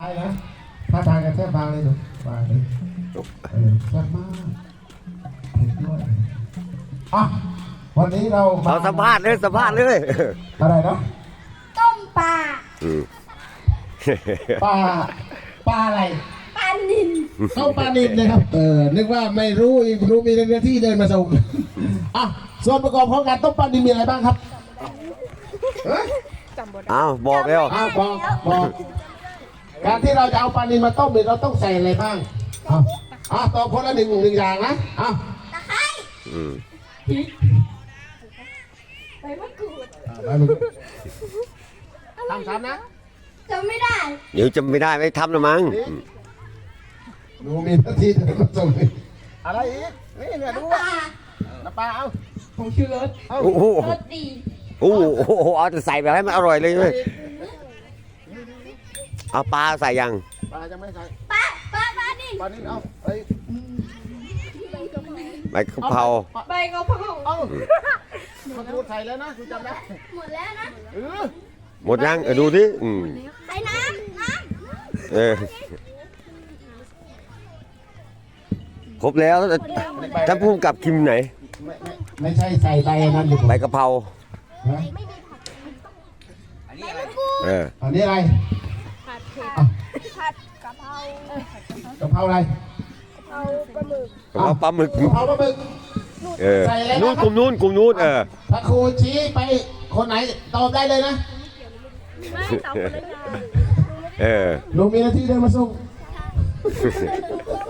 ช่นะถ้าทางกันแทบบางเลยดูบางเลยแซ่บมากเผ็ดด้วยอ่ะวันนี้เราเอาสัมภาษณ์เลยสัมภาษณ์เลยอะไรนะต้มปลาปลาอะไรปลานิลเข้าปลานิลนะครับนึกว่าไม่รู้อีกรู้มีหน้าที่เดินมาส่งอ่ะส่วนประกอบของการต้มปลานิลมีอะไรบ้างครับเอาบอกเร็วบอกการที่เราจะเอาปลานิลมาต้มเนี่ยเราต้องใส่อะไรบ้างตอบคนละหนึ่งอย่างนะตะไคร้ใบมะกรูดทำนะจำไม่ได้เดี๋ยวจะไม่ได้ไม่ทำละมั้งดูมีหน้าที่เดินมาส่งอะไรอีกนี่เนี่ยดูน้ำปลาน้ำปลาเอาผงชูรสโอ้โหรสดีโอ้โหเอาแต่ใส่แบบให้มันอร่อยเลยเว้ยเอาปลาใส่ยังปลายังไม่ใส่ปลานิลปลานิลเอาไปใบกะเพราใบกะเพราเอามะกรูดใส่แล้วนะคุณจำได้หมดแล้วนะหมดยังดูที่ใส่น้ำครบแล้วท่านผู้กำกับคิมไหนไม่ใช่ใส่ใบนั่นดิใบกะเพราอันนี้อะไรผัดกะเพรากะเพราอะไรกะเพราปลาหมึกกะเพราปลาหมึกกะเพราปลาหมึกใส่อะไรนู่นกลุ่มนู้นถ้าครูชี้ไปคนไหนตอบได้เลยนะไม่ตอบคนละอย่างลุงมีหน้าที่เดินมาส่ง